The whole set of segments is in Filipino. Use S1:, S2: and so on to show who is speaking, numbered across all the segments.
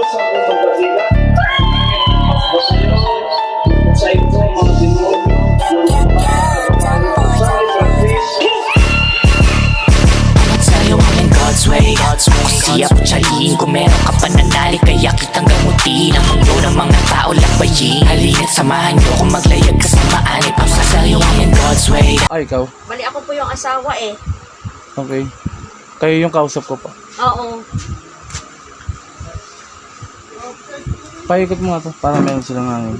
S1: Siya po tsaliin kung meron ka pananali, kaya kitang gamutin ang mundo ng mga tao lakbayin. Halina't samahan nyo kung maglayag kasamaan, ipapasariwain God's way.
S2: Ay, ikaw?
S3: Bali ako po yung asawa eh.
S2: Okay. Kayo yung kausap ko pa.
S3: Oo.
S2: Paikot mo nga to, para meron silang hangin.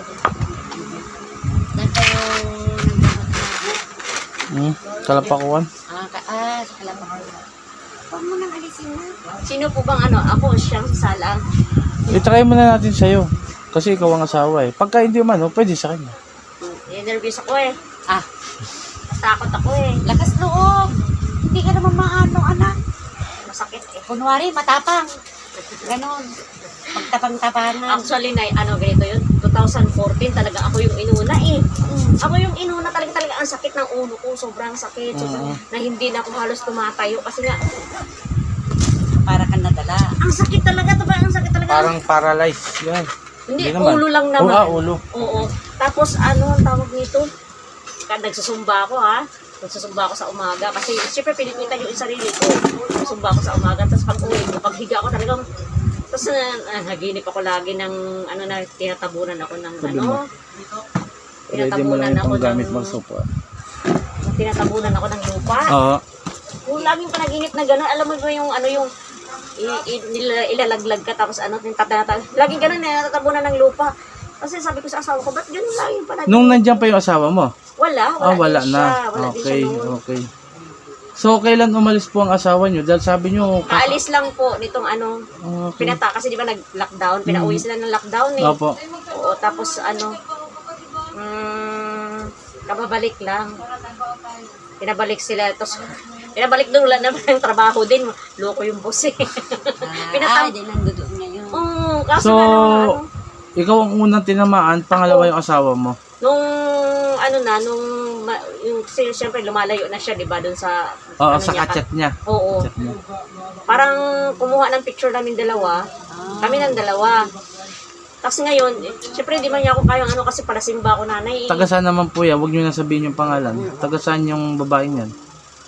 S2: Kalapakuan?
S3: Sa Kalapakuan. Huwag mo nang alisin na. Sino po bang ako siyang salang?
S2: I-try muna natin sa'yo. Kasi ikaw ang asawa eh. Pagka hindi man, pwede sa kanya.
S3: Nervous ako eh. Takot ako eh. Lakas loob. Hindi ka naman maano, anak. Masakit eh. Kunwari, matapang. Ganon. Magtapang-tapangan. Actually, ganito yun. 2014 talaga ako yung inuna eh. Ako yung inuna talaga ang sakit ng ulo ko. Sobrang sakit. Na hindi na ako halos tumatayo. Kasi nga, para kang nadala. Ang sakit talaga. Ang sakit talaga.
S2: Parang paralyzed. Yan.
S3: Hindi ulo lang naman.
S2: Ulo.
S3: Oo. Tapos ang tawag nito? Nagsusumba ako Nagsusumba ako sa umaga. Kasi siyempre pinipitan yung sarili ko. Nagsusumba ako sa umaga. Tapos pag uwi, kapag higa ako talagang tapos naginip ako lagi ng tinatabunan ako ng tinatabunan ako ng
S2: gamit mo sopa.
S3: Tinatabunan ako ng lupa.
S2: Oo.
S3: Kung laging panaginip na gano'n, alam mo ba yung ilalaglag ka tapos laging gano'n natatabunan ng lupa. Kasi sabi ko sa asawa ko, ba't gano'n laging panaginip?
S2: Nung nandiyan pa yung asawa mo?
S3: Wala
S2: wala
S3: din
S2: na.
S3: siya. Wala din siya nung...
S2: Okay. So, kailan umalis po ang asawa nyo? Dahil sabi nyo...
S3: Kaalis lang po nitong
S2: Okay.
S3: pinata. Kasi di ba nag-lockdown? Pinauwi sila ng lockdown eh.
S2: Opo.
S3: Oo, tapos kababalik lang. Pinabalik sila. Tapos, pinabalik doon wala naman yung trabaho din. Loko yung boss eh.
S4: Di nandoon ngayon.
S3: Kaso
S2: So, ikaw ang unang tinamaan, pangalawa yung asawa mo.
S3: nung siyempre lumalayo na siya, di ba, doon sa
S2: Sa kachat niya.
S3: Oo.
S2: Chat niya.
S3: Parang kumuha ng picture namin dalawa. Kami ng dalawa. Tapos ngayon, siyempre di man niya ako kayang kasi para simba ako nanay.
S2: Taga saan naman po yan? Huwag nyo na sabihin yung pangalan. Taga saan yung babaeng yan?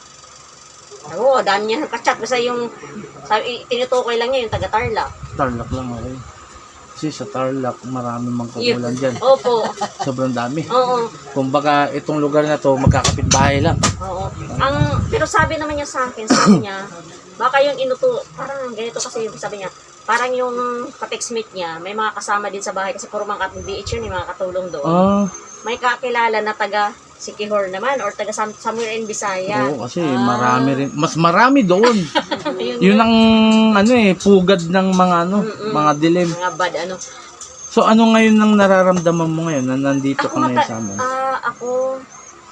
S3: Oo, daan niya kachat. Basta yung, tinutukoy lang niya yung taga Tarlac.
S2: Tarlac lang, okay. Kasi sa Tarlac, marami mang kagulan dyan.
S3: Opo.
S2: Sobrang dami.
S3: Oo.
S2: Kumbaga, itong lugar na to, magkakapit-bahay lang.
S3: Oo. Pero sabi naman niya sa akin, sabi niya, baka yung parang ganito kasi yung sabi niya, parang yung ka-textmate niya, may mga kasama din sa bahay kasi puro mga BH yun, mga katulong doon. May kakilala na taga Siquijor naman or taga somewhere in Bisaya.
S2: Oo, kasi marami rin. Mas marami doon. Yun ang pugad ng mga mga dilim.
S3: Mga bad
S2: So ano ngayon ang nararamdaman mo ngayon na nandito ka ngayon sa amin?
S3: Ako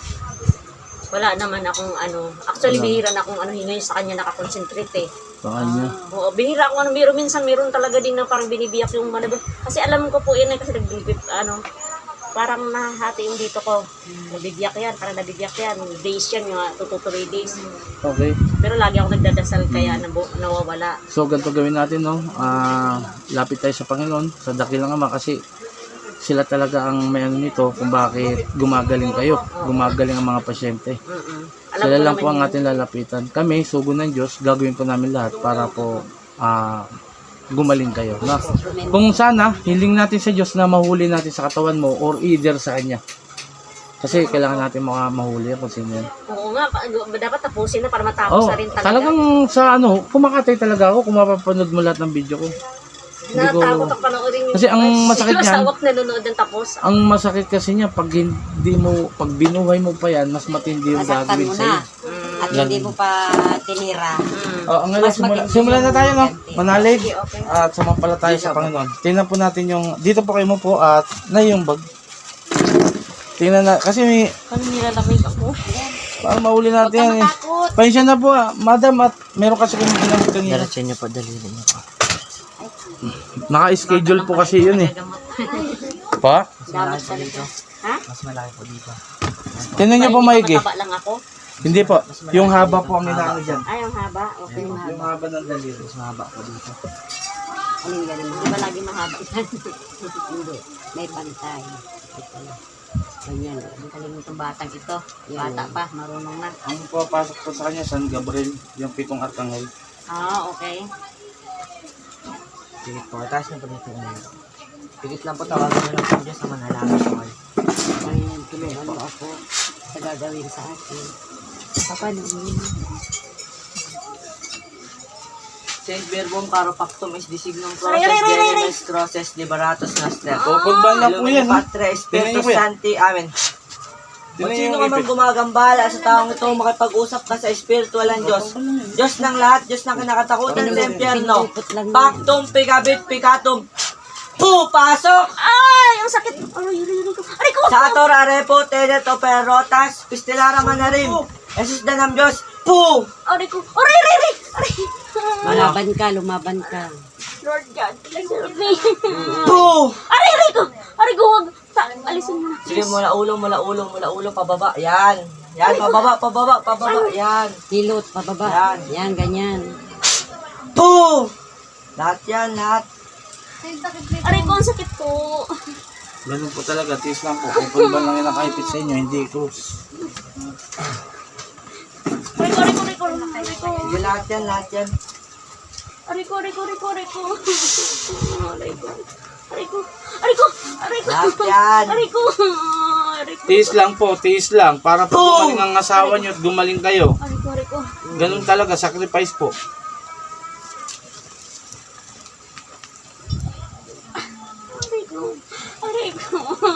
S3: wala naman akong actually bihira na akong ngayon sa kanya nakakonsentrate eh.
S2: Sa kanya?
S3: Oo, bihira akong minsan meron talaga din na parang binibiyak yung kasi alam ko po yun kasi nagbibip parang nahati yung dito ko. Nabibiyak yan, parang nabibiyak yan. Days yan, mga 2 to 3 days.
S2: Okay.
S3: Pero lagi ako nagdadasal kaya nawawala.
S2: So ganito gawin natin, lapit tayo sa Panginoon, sa dakilang Ama, kasi sila talaga ang may nito kung bakit gumagaling kayo, gumagaling ang mga pasyente. Sila lang po ang ating lalapitan. Kami, sugo ng Diyos, gagawin po namin lahat para po gumaling kayo. Kung sana, hiling natin sa Diyos na mahuli natin sa katawan mo or either sa Kanya. Kasi kailangan natin mahuli kung sino yan.
S3: Oo nga, dapat tapusin na para matapos na rin talaga.
S2: Talagang sa kumakatay talaga ako kung mapapanood mo lahat ng video ko.
S3: Natakot ako panoorin yung
S2: kasi ang masakit niyan,
S3: sawak nanonood ng tapos.
S2: Ang masakit kasi niya, pag binuhay mo pa yan, mas matindi yung gagawin sa'yo.
S4: At hindi mo pa tinira.
S2: Ang simulan na tayo, manalig. At sumampala tayo sa Panginoon. Tingnan po natin dito po kayo mo po at yung bag. Tingnan na, kasi
S3: Paano nilalamig ako?
S2: parang mauli natin yan eh. Pansya na po madam, at meron kasi kami ginamit kanina.
S1: Diretso niyo po, daliri niyo po.
S2: Naka-schedule po kasi yun eh. Pa?
S3: Dapat pa dito. Ha?
S1: Mas malaki po dito.
S2: Tingnan niyo po maigi.
S3: Mataba lang ako.
S2: Hindi po. Yung haba po ang inaano dyan.
S3: Ay, ang haba. Okay.
S2: Yung haba ng daliri.
S1: Mas mahaba po dito.
S4: Alin ganun?
S3: Di ba lagi mahaba yan?
S4: Hindi. May pantay. Ito. Ganyan.
S3: Ang galing itong batang ito.
S4: Yan.
S3: Bata pa, marunong na.
S2: Ang papasok po sa kanya, San Gabriel, yung 7 arkanghel.
S3: Ah, okay.
S5: Pigit po. Taas na po dito ngayon. Pigit lang po. Tawagan na lang po Diyos na manalangin po kayo.
S4: Ngayon, tulungan mo ako sa gagawin sa akin. Paano yun?
S5: Saint Verbum Caro Pactum is designum
S3: Aray,
S5: process,
S3: aray, aray, aray.
S5: Denimes Crosses, Liberatus Noster.
S2: Pupulban na po yan.
S5: Patre,
S2: Tingnan niyo
S5: Espiritus
S2: po yan.
S5: Santi, Amen. Kung
S2: Tingnan
S5: sino
S2: niyo
S5: ka
S2: yung
S5: man
S2: ipit.
S5: gumagambala sa taong ito, makipag-usap ka sa espiritual ng Diyos. Diyos ng lahat, Diyos ng kinakatakutan sa impyerno.
S4: Pinupot lang yun.
S5: Pactum, pigabit, picatum. Pasok!
S3: Ay, ang sakit. Aray ko.
S5: Sator, arepo, tenet, operotas, pistilara manarim. Jesus danam Diyos.
S3: Aray ko. Aray.
S4: Lumaban ka, lumaban ka.
S3: Lord God, bless me. Aray ko. Wag. Alisin mo na.
S5: Sige, mula ulo, pababa. Yan. Yan, pababa. Yan.
S4: Hilot, pababa.
S5: Yan.
S4: Yan, ganyan.
S5: Lahat yan, lahat.
S3: Aray ko, ang sakit po.
S2: Ganun po talaga, tiis lang po. Pupulban lang yung nakaipit sa inyo, hindi close.
S3: Aray ko.
S5: Sige, lahat yan.
S3: Aray ko.
S5: Lahat yan.
S3: Aray ko.
S2: Tiis lang po, tiis lang. Para po gumaling ang asawa nyo at gumaling kayo.
S3: Aray ko.
S2: Ganun talaga, sacrifice po.
S3: Aray ko.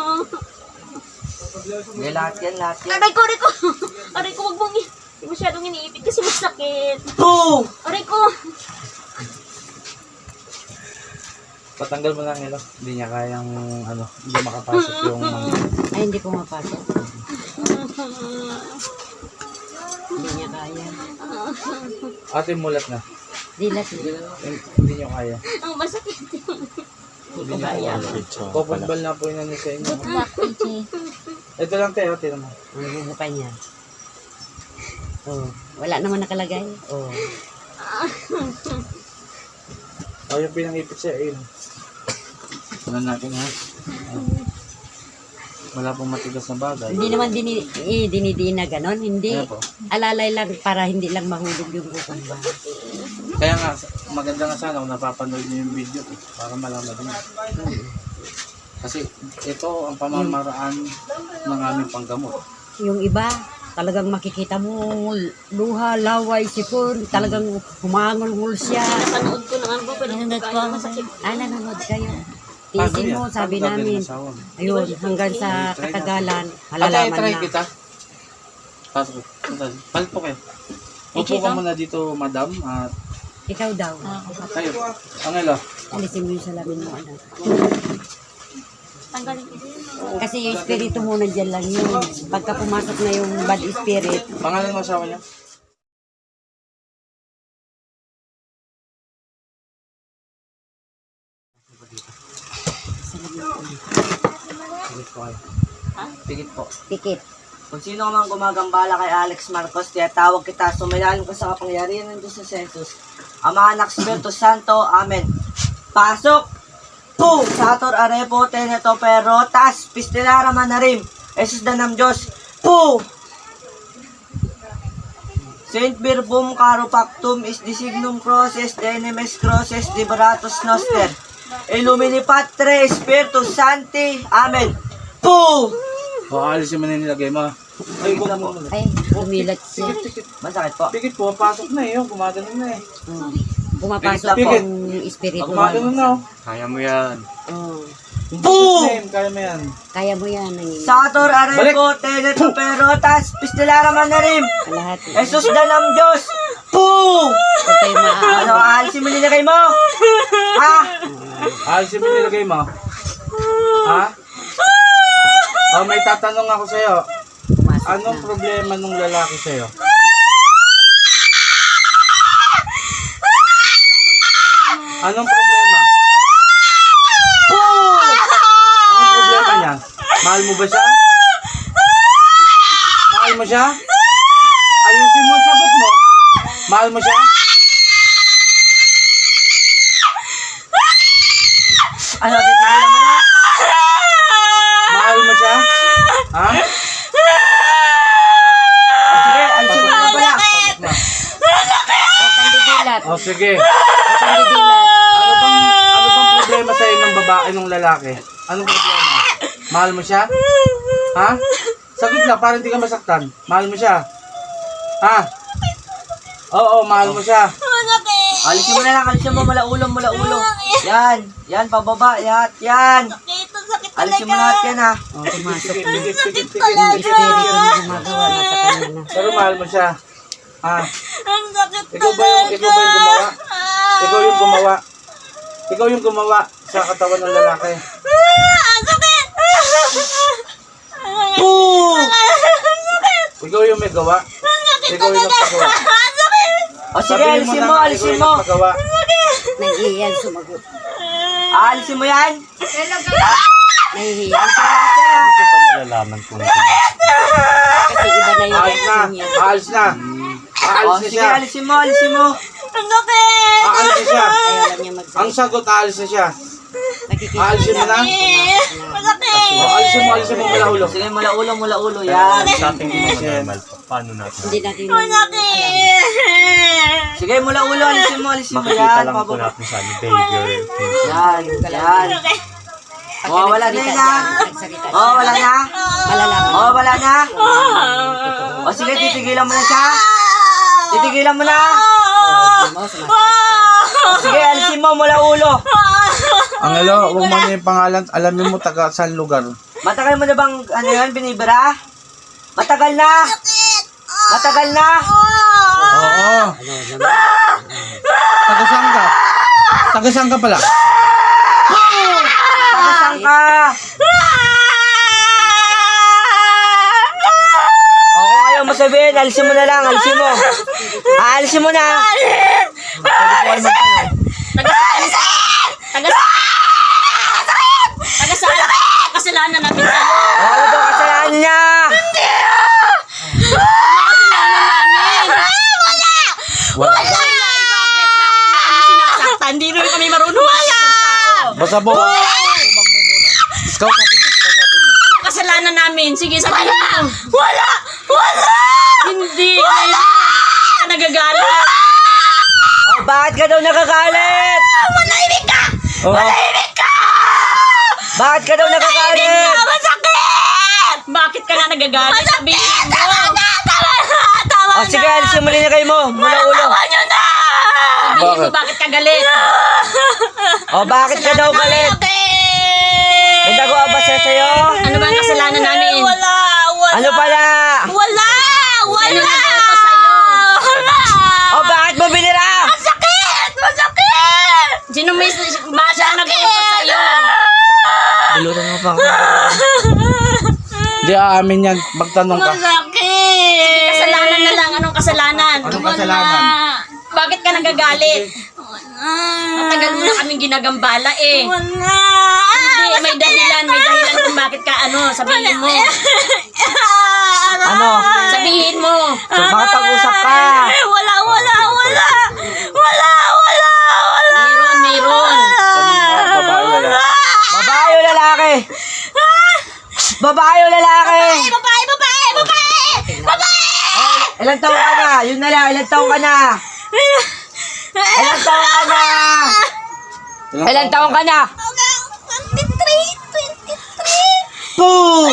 S5: Sige, lahat yan.
S3: Aray ko, wag mong hindi masyadong iniipit kasi masakit. Aray ko.
S2: Patanggal mo lang nila. Hindi niya kayang, hindi makapasok yung
S4: Ay, hindi pumapasok. Hindi niya kaya.
S2: ate mulat na.
S4: Dilat.
S2: Hindi niyo kaya.
S3: Ang masakit.
S2: Hindi niyo kaya. Pupulban na po yun sa inyo. Ito lang tayo, tira mo.
S4: Ang bubukay niya. Oh, wala naman nakalagay. Oh.
S2: O yung pinangipit siya, ayun. Ano natin ha? Wala pong matigas na bagay.
S4: Hindi naman dinidin na ganon. Hindi.
S2: Kaya po.
S4: Alalay lang para hindi lang mahulog yung kukumba.
S2: Kaya nga, maganda nga sana kung napapanood niyo yung video para malaman din. Kasi ito ang pamamaraan ng aming panggamot.
S4: Yung iba, talagang makikita mo, luha, laway, sipon, talagang humangol-ngol siya.
S3: Napanood ko na nga po, pero masakit.
S4: Nanonood kayo. Tiisin mo, sabi namin. Ayun, hanggang sa katagalan, malalaman
S2: try
S4: na.
S2: kita. Pasok. Palit po kayo. Upo ka muna dito, madam. At
S4: Ikaw daw.
S2: kayo. Angelo.
S4: Alisin mo yung salamin mo, anak.
S3: Tanggalin ko din.
S4: Kasi yung espiritu mo nandiyan lang yun. Pagka pumasok na yung bad spirit,
S2: Pangalan mo asawa niya?
S5: Pigit po kayo. Pigit po.
S4: pikit.
S5: Kung sino man gumagambala kay Alex Marcos, tiyatawag kita, sumilalim ka sa kapangyarihan ng Diyos sa Jesus. Ama, Anak, Espiritu Santo, Amen. Pasok! Sator, arepo, teneto, perotas, pistilara manarim, Jesus danam Diyos. Saint Verbum Caro Pactum is designum crosses, denimes crosses, liberatus noster. Illumini Patre, Spiritus Santi, Amen.
S2: O, alisin mo na yung nilagay mo. Ay, huwag mo.
S4: Ay, umilat siya.
S5: Masakit po.
S2: Pikit po, pasok na eh. Gumagano na eh.
S4: Pumapasok
S2: Pikit.
S4: yung espiritu.
S2: Gumagano na oh.
S6: Kaya mo yan.
S4: Oh,
S2: Name, kaya mo yan.
S4: kaya mo yan.
S5: Sator, arepo, teneto, perotas, pistilara manarim,
S4: Lahat.
S5: Jesus danam Diyos.
S4: Huwag kayo
S5: Ano, aalisin mo nilagay mo? Ha?
S2: Alisin mo yung nilagay mo. Ha? Oh, may tatanong ako sa'yo.
S4: pumasok
S2: Anong
S4: na.
S2: problema nung lalaki sa'yo? Anong problema? Anong problema niya? Mahal mo ba siya? Mahal mo siya? Ayusin mo ang sagot mo. Mahal mo siya?
S5: Ano, titigilan mo na?
S2: Mahal mo siya? Ha?
S5: Sige, alisin mo na pala.
S4: Huwag kang didilat.
S2: O sige.
S4: Huwag kang didilat.
S2: Ano bang problema sa'yo ng babae ng lalaki? Anong problema? Mahal mo siya? Ha? Sagot lang, para hindi ka masaktan. Mahal mo siya? Ha? Oo, mahal mo siya.
S5: Alisin mo na lang, alisin mo, mula ulo. Yan, pababa, yan. Alisin mo lahat yan, ha.
S4: Oh, pumasok na.
S2: Tikit.
S4: Yung espiritu na gumagawa na sa kanya na.
S2: Pero mahal mo siya. Ha? Ikaw ba yung gumawa? Ikaw yung gumawa sa katawan ng lalaki. Ikaw yung may gawa. Ikaw yung nagpagawa.
S5: O sige,
S2: Sabihin
S5: alisin
S2: na
S5: mo,
S2: nga,
S5: alisin
S2: ikaw
S5: mo.
S2: yung nagpagawa.
S4: Nahihiyan sumagot.
S5: Alisin mo yan.
S4: Nahihiyan.
S6: Ano ba nalalaman kung
S4: Kasi iba na yung
S2: Aalis na.
S4: reaction niya.
S2: Aalis na.
S5: O
S2: Aalis na
S5: sige,
S2: siya.
S5: alisin mo.
S2: Aalis na siya.
S4: Ayaw lang niya
S2: Ang
S4: magsalita.
S2: sagot, aalis na siya.
S4: Nakikita
S2: Aalisin mo na. O, alisin mo mula ulo.
S5: Sige, mula ulo, yan.
S6: sa ating mga normal, paano natin?
S4: Hindi natin alam.
S5: Sige, mula ulo, alisin mo
S6: Makikita
S5: yan.
S6: lang po
S5: Pababa.
S6: natin sa behavior.
S5: Yan. Wala na yun, ha.
S4: Nagsalita
S5: Wala na.
S4: malalaman.
S5: Wala na. O sige, titigilan mo na siya. Titigilan mo na.
S4: Mo, sumasagot.
S5: O sige, alisin mo mula ulo.
S2: Ang alo, huwag mo na yung pangalan. Alamin mo taga saan lugar.
S5: Matagal mo na bang, ano yun, binibira? Matagal na. Matagal na.
S2: Oo. Taga saan ka? Taga saan ka pala?
S5: Saan ka? O kung ayaw mo sabihin, alisin mo na lang, alisin mo. Alisin mo na.
S3: Kasalanan namin sa'yo.
S5: O ano daw kasalanan niya?
S3: Bakit sinasaktan? Hindi rin kami marunong.
S2: Basta po. Kausapin niya.
S3: Anong kasalanan namin? Sige, sabihin mo. Wala! Hindi. Ka nagagalit.
S5: O bakit ka daw nakagalit?
S3: Manahimik ka!
S2: Oo.
S5: Bakit ka daw nakagalit?
S3: Masakit! Bakit ka nga nagagalit? Sabihin mo. Tama
S5: O sige, alisin mo rin na kayo mo. Mula ulo.
S3: Sabihin mo bakit ka galit.
S5: O bakit ka daw galit? May nagawa ba siya sa'yo?
S3: Ano ba ang kasalanan namin? Wala!
S5: Ano pala?
S3: Wala! Sino nagluto sa'yo?
S5: O bakit mo binira?
S3: Masakit! Sino may siya nagluto sa'yo?
S5: Bulutan mo pa ako.
S2: Di aamin yan. Magtanong ka.
S3: Masakit! Kasalanan na lang. Anong kasalanan?
S2: Anong kasalanan?
S3: Bakit ka nagagalit? Matagal mo na kaming ginagambala eh. Hindi, may dahilan kung bakit ka sabihin mo.
S5: Ano?
S3: Sabihin mo.
S5: So, makapag-usap ka.
S3: Wala. Meron.
S2: Babae wala.
S5: Babae o lalaki? Babae o lalaki?
S3: Babae!
S5: Ilang taong ka na? Yun na lang, ilang taong ka na? Ilang taong ka na? Ilang taong ka na?
S3: 23.
S5: Boom!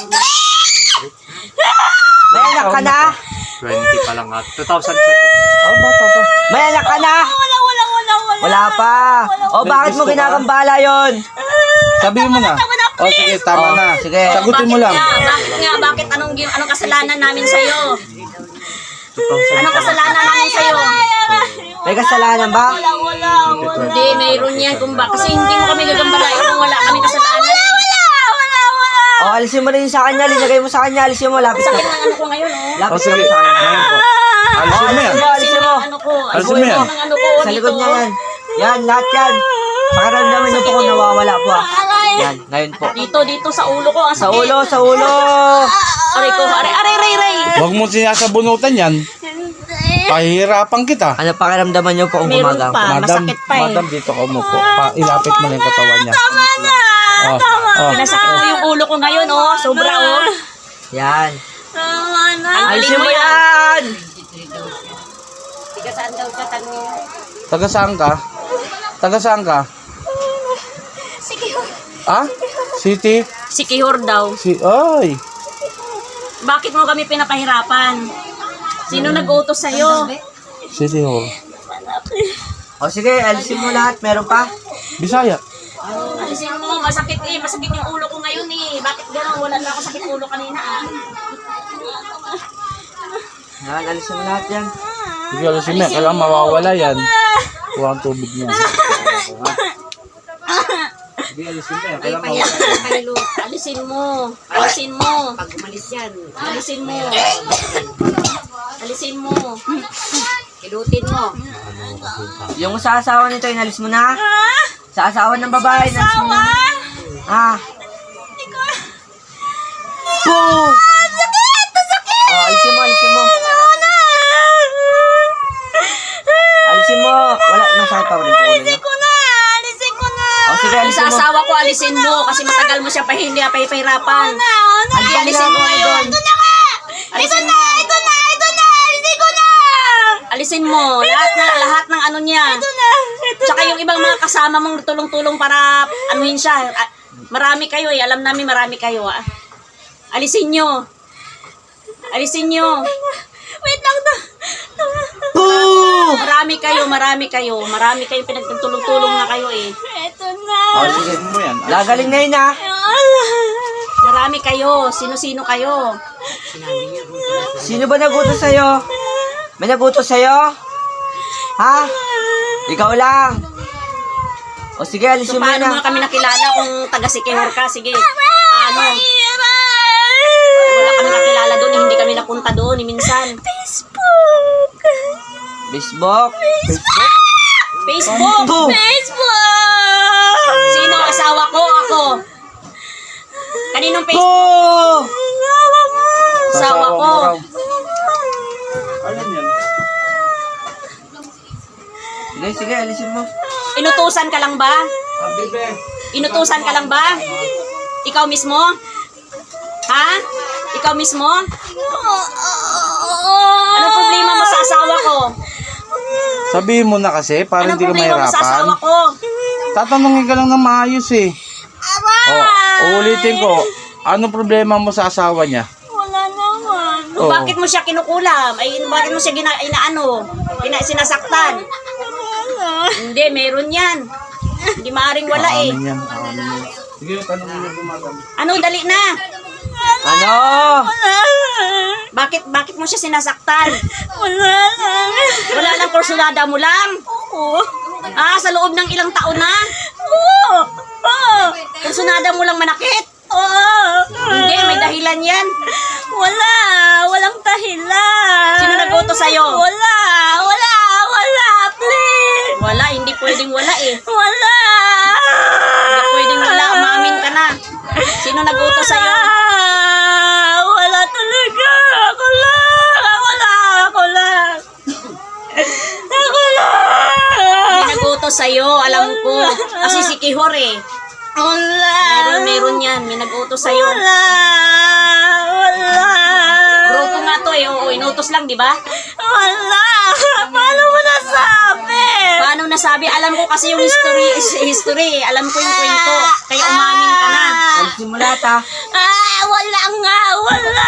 S5: May anak ka na?
S6: 20 pa lang at 2000 siya.
S2: Oh, bata pa.
S5: May anak ka na? Wala pa. O bakit mo ginagambala yon?
S2: Sabihin mo na. O sige, tama
S5: Oh,
S2: na.
S5: sige.
S2: Sagutin mo lang.
S3: Bakit anong kasalanan namin sa'yo? Anong kasalanan namin sa'yo?
S5: May kasalanan ba?
S3: Hindi, mayroon yan. Kasi hindi mo kami gagambalain kung wala kami kasalanan.
S5: O alisin mo rin sa kanya, linagay mo sa kanya, alisin mo, lapit
S3: Sakit
S5: ka.
S3: ng ano ko ngayon, oh.
S2: O
S5: Lapit ka
S2: sige.
S5: sa kanya.
S2: Ngayon po. Alisin mo yan.
S5: Alisin mo.
S3: Ano ko?
S2: Alisin mo yan.
S3: Ng ano ko
S5: Sa likod
S3: dito.
S5: niya yan. Yan, lahat yan. Pakiramdaman niyo po kung nawawala po ah. Yan, ngayon po.
S3: Dito sa ulo ko. Ang
S5: Sa
S3: sakit.
S5: ulo, sa ulo.
S3: Aray ko, aray.
S2: Huwag mo sinasabunutan yan. Pahihirapan kita.
S5: Ano pakiramdaman niyo po kung
S3: Meron
S5: gumagamit?
S3: pa. Masakit pa eh.
S2: Madam, dito ka umupo. Ilapit mo na yung katawan niya. Tama na!
S3: Pinasakit ko yung ulo ko ngayon, oh. Sobra, oh.
S5: Yan.
S3: Ang
S5: Alisin
S3: galing
S5: mo
S3: mo yan.
S5: yan!
S4: Tiga saan daw siya tanong?
S2: Taga saan ka? Taga saan ka? Ah? City?
S3: Si Kihor daw.
S2: Ay!
S3: Bakit mo kami pinapahirapan? Sino nag-utos sa'yo?
S2: City Hall.
S5: O sige, alisin mo lahat. Meron pa?
S2: Bisaya.
S3: Alisin mo, masakit eh. Masakit yung ulo ko ngayon eh. Bakit gano'n? Wala na ako sakit ulo kanina ah.
S5: Yan, alisin mo lahat yan.
S2: Sige, alisin mo. Kailangan mawawala yan. Kuha ang tubig niya. Sige, alisin mo yan. Kailangan mawawala.
S3: Alisin mo. Alisin mo.
S4: Pag umalis yan,
S3: Alisin mo. Alisin mo.
S4: kilutin mo.
S5: Yung sa asawa nito, inalis mo na? Sa asawa ng babae, inalis mo na? Ah. Poo! Oh, alisin mo, alisin mo. Alisin mo. Wala, masakit pa rin po ulo niya. Oh, sige, alisin
S3: Sa
S5: mo.
S3: asawa ko, alisin mo. Kasi matagal mo siya pahihirapan.
S5: Alisin
S3: Alisin mo.
S5: doon.
S3: Alisin mo. Alisin mo. Lahat ng ano niya. Tsaka yung ibang mga kasama mong tulong-tulong para anuhin siya. Marami kayo eh. Alam namin marami kayo. Ah. Alisin nyo. Alisin nyo. Wait lang na.
S5: Poo!
S3: Marami kayo. Marami kayong pinagtulong-tulong na kayo eh.
S5: Oh, sige.
S2: mo yan.
S5: Gagaling na yun, ha?
S3: Marami kayo. Sino-sino kayo.
S5: Sino ba nagutos sa'yo? May nagutos sa'yo? Ha? Ikaw lang. O sige,
S3: So
S5: alisin mo
S3: paano
S5: na.
S3: mo kami nakilala kung taga-Sikihor ka? Sige. Paano? Wala kami nakilala doon. Hindi kami napunta doon. Minsan.
S5: Facebook?
S3: Facebook.
S5: Poo!
S3: Sino asawa ko? Ako. Kaninong Facebook?
S5: Poo!
S3: Asawa ko.
S2: Alin yan?
S5: Sige, sige, alisin mo.
S3: Inutusan ka lang ba?
S2: Bebe.
S3: Inutusan ka lang ba? Ikaw mismo? Ha? Ikaw mismo? Anong problema mo sa asawa ko?
S2: Sabihin mo na kasi, para
S3: Anong
S2: hindi ka
S3: problema mo sa asawa
S2: mahirapan.
S3: ko?
S2: Tatanungin ka lang ng maayos eh. Uulitin ko. Anong problema mo sa asawa niya?
S3: O, bakit mo siya kinukulam? Ay, bakit mo siya sinasaktan? Hindi, meron yan. Hindi maaaring wala eh.
S2: Amin yan. Amin yan. Sige, tanongin mo gumagam.
S3: Ano, dali na.
S5: Ano?
S3: Bakit mo siya sinasaktan? Wala lang, kursulada mo lang? Ah, sa loob ng ilang taon na? Kursunada mo lang manakit? Hindi, may dahilan yan.
S7: Walang dahilan.
S3: Sino nag-utos sa'yo?
S7: Wala, please.
S3: Wala, hindi pwedeng wala eh.
S7: Wala.
S3: Hindi pwedeng wala, umamin ka na. Sino nag-utos sa'yo?
S7: Wala talaga. Ako lang.
S3: May nag-utos sa'yo, alam ko. Kasi si Kihor eh.
S7: Wala.
S3: Meron yan, may nag-utos sa'yo.
S7: Wala.
S3: Grupo nga to eh, oo, inutos lang, di ba?
S7: Wala. Paano mo nasabi?
S3: Paano nasabi? Alam ko kasi yung history. Alam ko yung kwento. Kaya umamin ka na.
S5: Alisin mo lahat, ha?
S7: Wala nga. Wala.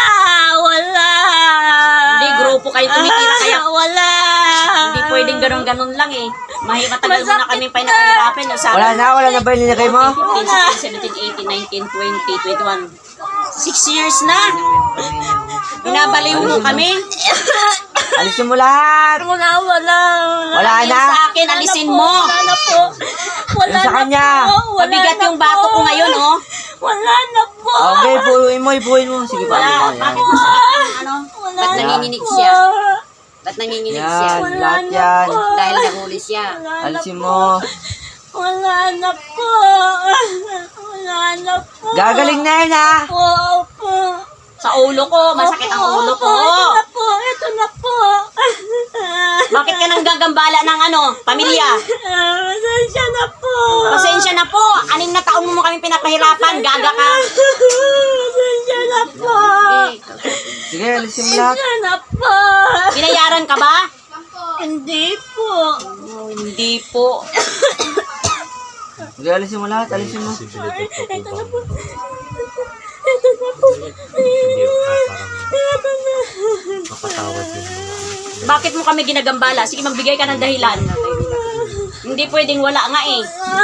S3: Hindi, grupo kayo tumitira kaya
S7: Wala.
S3: hindi pwedeng ganun-ganun lang eh. Matagal mo na kami pa nakahirapan.
S5: Wala na ba yung linagay mo?
S3: 15, 16, 17, 18, 19, 20, 21. 6 years na. Binabaliw mo kami.
S5: Alisin mo lahat.
S7: Wala.
S5: Wala
S3: Yung
S5: na.
S3: sa akin, alisin mo.
S7: Wala na po. Wala
S5: Yung sa
S7: na
S5: kanya.
S7: po. Wala
S3: Mabigat
S7: na
S3: yung bato
S7: po.
S3: ko ngayon, oh.
S7: Wala na po.
S5: Okay, ipuin mo. Sige,
S3: Wala.
S5: paano mo yan?
S3: Bakit mo sa ano?
S7: Wala
S4: Ba't
S7: na
S4: nanginginig
S7: po.
S4: siya? Ba't nanginginig siya?
S5: Yan, lahat yan.
S4: Dahil nahuli siya.
S7: Wala na
S5: Alisin
S7: po.
S5: mo.
S7: Wala na po. Wala na po.
S5: Gagaling na yun, ha?
S7: Opo.
S3: Sa ulo ko. Masakit ang ulo ko.
S7: Ito na po.
S3: gumagambala ng pamilya.
S7: Pasensya na po.
S3: Pasensya na po. 6 na taon mo kami pinapahirapan. Gaga ka.
S7: Pasensya na po.
S5: Sige, alisin mo lahat.
S7: Pasensya na po.
S3: Binayaran ka ba?
S7: Hindi po.
S3: Oh, hindi po.
S5: Sige, alisin mo lahat. Alisin mo.
S6: Posibilidad pa po ba?
S7: Ito na po.
S6: Hindi parang mapatawad yung mga
S3: Bakit mo kami ginagambala? Sige, magbigay ka ng dahilan. Hindi pwedeng wala nga eh.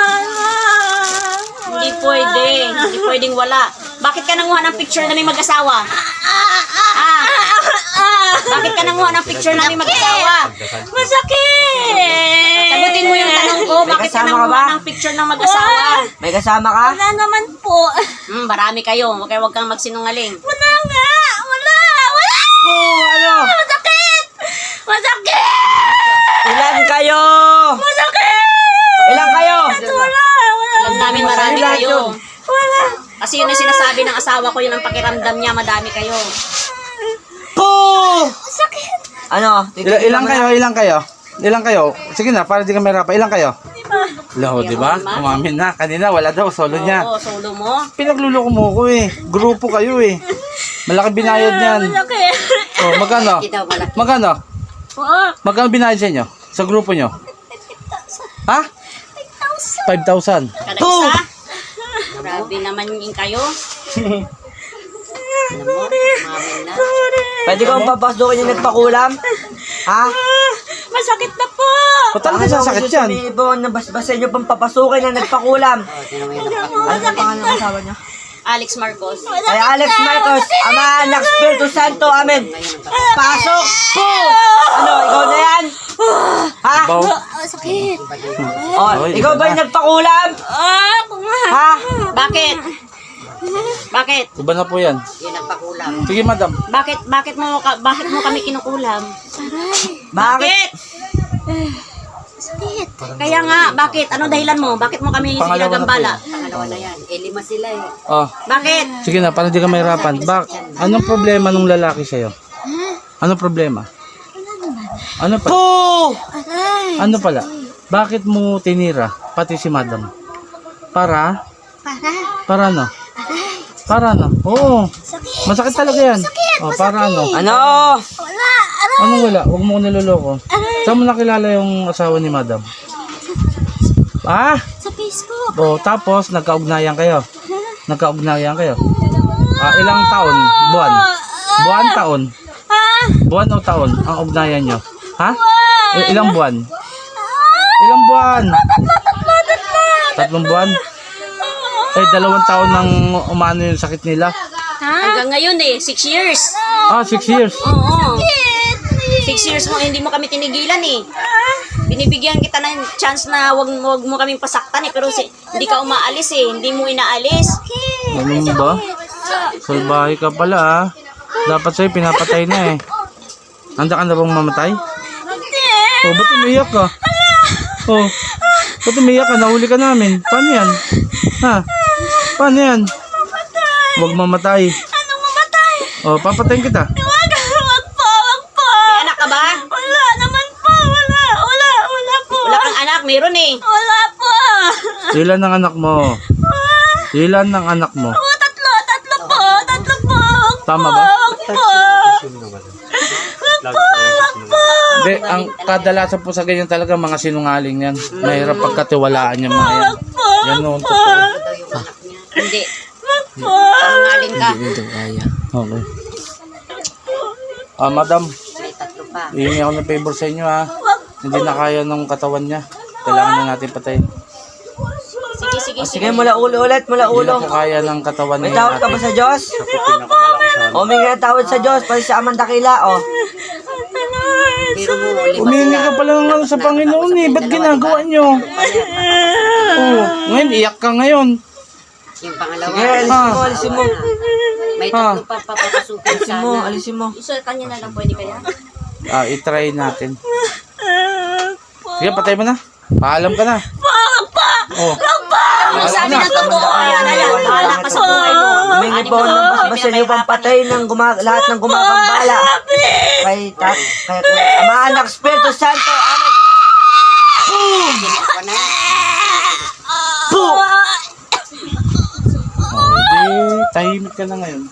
S3: Hindi pwede. Hindi pwedeng wala. Bakit ka nanguha ng picture na may mag-asawa? Ah. Bakit ka nanguha ng picture na may mag-asawa?
S7: Masakit.
S3: Sagutin mo yung tanong ko. Bakit ka
S5: kasama ka
S3: nanguha
S5: ba?
S3: ng picture ng mag-asawa?
S5: May kasama ka?
S7: Wala naman po.
S3: Marami kayo. Huwag kang magsinungaling.
S7: Wala nga. Wala. Wala.
S5: Oh, ano?
S7: Masakit. Masakit.
S5: Ilan kayo?
S7: Masakit.
S5: Ilan kayo?
S7: Wala. Wala.
S3: Alam namin marami
S5: Lahat
S3: kayo.
S5: yun.
S7: Wala.
S3: Kasi yun ang sinasabi ng asawa ko, yun ang pakiramdam niya, madami kayo.
S5: Po!
S7: Sakit.
S5: Ano?
S2: Ilang kayo? Ilang kayo? Ilang kayo? Sige na, para di ka mahirapan. Ilang kayo? Laho, di ba? Umamin na. Kanina, wala daw. Solo niya.
S3: Oo, solo mo.
S2: Pinagluloko mo ko eh. Grupo kayo eh. Malaki binayad niyan.
S7: Masakit.
S2: Oh, magkano? Magkano?
S7: Oo.
S2: Magkano binayad sa inyo? Sa grupo nyo? Ha? 5,000.
S3: Kada isa. Grabe naman yung kayo. Alam mo, umamin na.
S5: Pwede kong papasukin yung nagpakulam? Ha?
S7: Masakit na po.
S2: Ba't talaga sasakit yan?
S5: Ibon na basbasin nyo pang papasukin na nagpakulam. Ano ang pangalan ng asawa niya?
S3: Alex Marcos.
S5: Ay, Alex Marcos, Ama, Anak, Espiritu Santo, Amen. Pasok po! Ano, ikaw na yan? Ha?
S2: Baw.
S7: Sakit.
S5: Oh,
S2: Oy,
S5: ikaw
S2: iba
S5: ba
S2: na.
S5: yung nagpakulam?
S7: Ako nga.
S5: Ha?
S3: Bakit? Bakit?
S2: Iba na po yan. Sige, madam.
S3: Bakit mo kami kinukulam?
S5: Bakit?
S3: Kaya nga, bakit? Ano dahilan mo? Bakit mo kami
S2: Pangalawa na
S3: ginagambala?
S4: Pangalawa na yan. 5 sila eh.
S2: Oh,
S3: Bakit?
S2: sige na, para di ka mahirapan. Anong problema nung lalaki sa'yo? Anong problema? Ano pala?
S5: Po!
S2: Ano pala? Bakit mo tinira pati si madam? Para? Para ano? Para ano? Oo. Masakit talaga yan. Oh, para ano?
S5: Ano?
S2: Anong wala? Huwag mo ko niloloko. Saan mo nakilala yung asawa ni madam? Ah?
S7: Sa Facebook.
S2: Oh, tapos nagkaugnayan kayo. Nagkaugnayan kayo. Ilang taon? Buwan? Buwan, taon? Buwan o taon ang ugnayan nyo? Ha? Ilang buwan? Ilang buwan? 3 buwan? 2 taon nang umano yung sakit nila.
S3: Hanggang ngayon 6 years.
S2: 6 years.
S3: Oo. 6 years mo, hindi mo kami tinigilan Binibigyan kita ng chance na wag mo kaming pasaktan pero hindi ka umaalis hindi mo inaalis.
S2: Ano ba? Salbahe ka pala Dapat sa'yo pinapatay na eh. Handa ka na bang mamatay? Oh, ba't umiyak ka? Oh, ba't umiyak ka? Nahuli ka namin. Paano yan? Ha? Paano yan? Huwag mamatay.
S7: Anong mamatay?
S2: Oh, papatayin kita.
S7: Wag po.
S3: May anak ka ba?
S7: Wala naman po. Wala po.
S3: Wala kang anak, meron
S7: Wala po.
S2: Ilan ang anak mo? Ilan ang anak mo?
S7: Tatlo po.
S2: Tama ba?
S7: Wag po.
S6: Lagi ko lang sinungaling.
S2: Hindi, ang kadalasan po sa ganyan talaga mga sinungaling yan. Mahirap pagkatiwalaan yung mga yan. Yan noon totoo.
S3: Hindi. Pangaling ka.
S2: Okay. Madam, hihingi ako ng favor sa inyo ha. Hindi na kaya ng katawan niya. Kailangan na natin patayin.
S3: Sige.
S5: Sige, mula ulo ulit, mula
S2: Hindi
S5: ulo.
S2: na po kaya ng katawan
S5: May
S2: niya
S5: tawad ka ba
S2: natin.
S5: sa Diyos?
S6: Ako pinakamalakas sa
S5: O, may nga tawad sa Diyos, pati sa Amang Dakila, o.
S2: Umihingi ka pala ng ano sa Panginoon eh. Ba't ginagawa niyo? Oh, ngayon iyak ka ngayon.
S4: Yung pangalawa.
S5: Sige, alisin mo.
S4: May
S2: Ha?
S4: tatlo pa papapasukin sana.
S5: Alisin mo.
S3: Isa kanya na lang pwede kaya?
S2: I-try natin. Sige, patay mo na. Paalam ka na. Oh.
S3: Ang sabi ng totoo, ayan. Bahala ka sa buhay mo.
S5: Humingi po ng basbasan yung pampatay ng lahat ng gumagambala. Kay Ama, Anak, Espiritu Santo, Amen.
S4: Ako na.
S5: Po!
S2: Oh, di, tahimik ka na ngayon.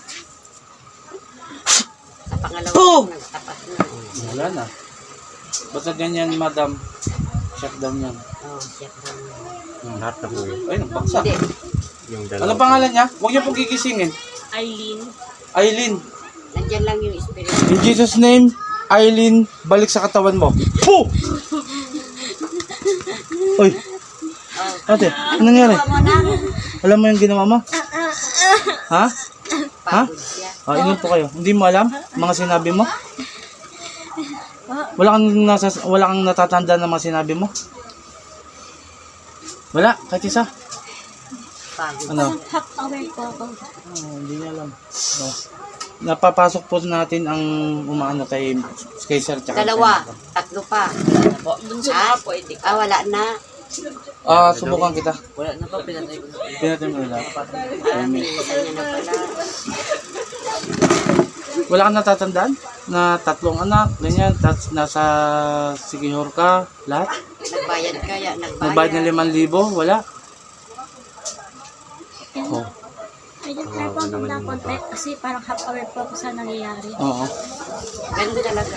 S4: Sa pangalawa,
S5: Boom!
S4: nagtapat na.
S2: Wala na. Basta ganyan, madam. Shutdown yan.
S4: Oh, siya pa.
S6: Lahat na po yun.
S2: Ay, nagbaksa.
S4: Hindi.
S6: Yung
S2: Ano
S6: dalawa.
S2: pangalan niya? Huwag niyo pong gigisingin.
S7: Aileen.
S2: Aileen.
S4: Nandyan lang yung spirit.
S2: In Jesus' name, Aileen, balik sa katawan mo. Po! Uy. Ate, anong nangyari? Alam mo yung ginawa mo? Ha? Ha?
S4: Pagod siya.
S2: Ingat po kayo. Hindi mo alam mga sinabi mo? Wala kang natatanda ng mga sinabi mo? Wala, kahit isa.
S4: Pagod.
S2: Ano?
S7: Half hour po ako.
S2: Hindi niya alam. Napapasok po natin ang umaano kay Sir tsaka
S4: Dalawa.
S2: kay-
S4: Tatlo pa.
S7: Bunso
S4: Ah,
S7: na po, edi.
S4: wala na.
S2: Subukan kita.
S5: Wala na pa, pinatay ko na.
S2: Pinatay mo na.
S4: Isa niya na pala.
S2: Wala kang natatandaan? Na tatlong anak, ganyan, nasa Sikihor ka, lahat?
S4: Nagbayad kaya,
S2: Nagbayad ng 5,000? Wala? Oh,
S7: Medyo try po akong nakonte kasi parang half hour po ako sa nangyayari.
S2: oo.
S4: Ganun talaga.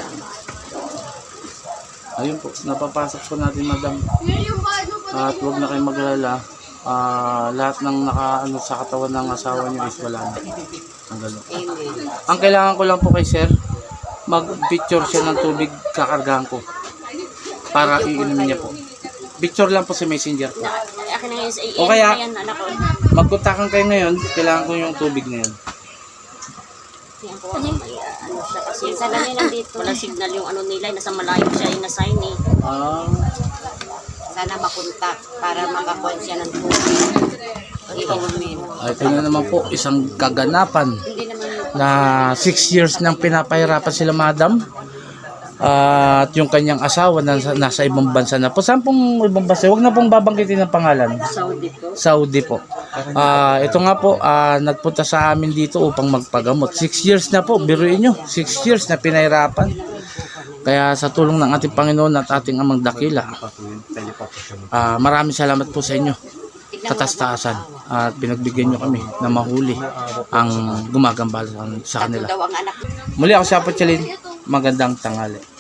S2: Ayun po, napapasok po natin, madam. At huwag na kayong mag-alala. Lahat ng naka sa katawan ng asawa niyo is wala na. Ang gano'n.
S4: Amen.
S2: Ang kailangan ko lang po kay sir, mag-picture siya ng tubig, kakargahan ko. Para iinumin niya po. Picture lang po sa messenger po.
S7: Akin na ngayon sa
S2: O kaya-
S7: ayan, anak ko.
S2: Magkontakan kayo ngayon, kailangan ko yung tubig na yun.
S7: Ayan po, ano siya kasi. Sa ganyan nandito. Wala signal yung ano nila, nasa malayo siya ina-sign eh.
S4: Sana makontak para makakuha siya ng tubig. Iinumin.
S2: Ito na naman po, isang kaganapan
S4: Hindi naman
S2: na 6 years nang pinapahirapan sila, madam. At yung kanyang asawa nasa ibang bansa na po. Saan pong ibang bansa? Huwag na pong babanggitin ng pangalan.
S4: Saudi po.
S2: Saudi po. Ito nga po, nagpunta sa amin dito upang magpagamot. 6 years na po, biruin nyo. 6 years na pinahirapan. Kaya sa tulong ng ating Panginoon at ating Amang Dakila,
S6: Pwede pa po siya.
S2: maraming salamat po sa inyo. Katastasan. At pinagbigyan nyo kami na mahuli ang gumagambala sa
S4: Tatlo
S2: kanila.
S4: daw ang anak.
S2: Muli ako si Apo Chalin. Magandang tanghali.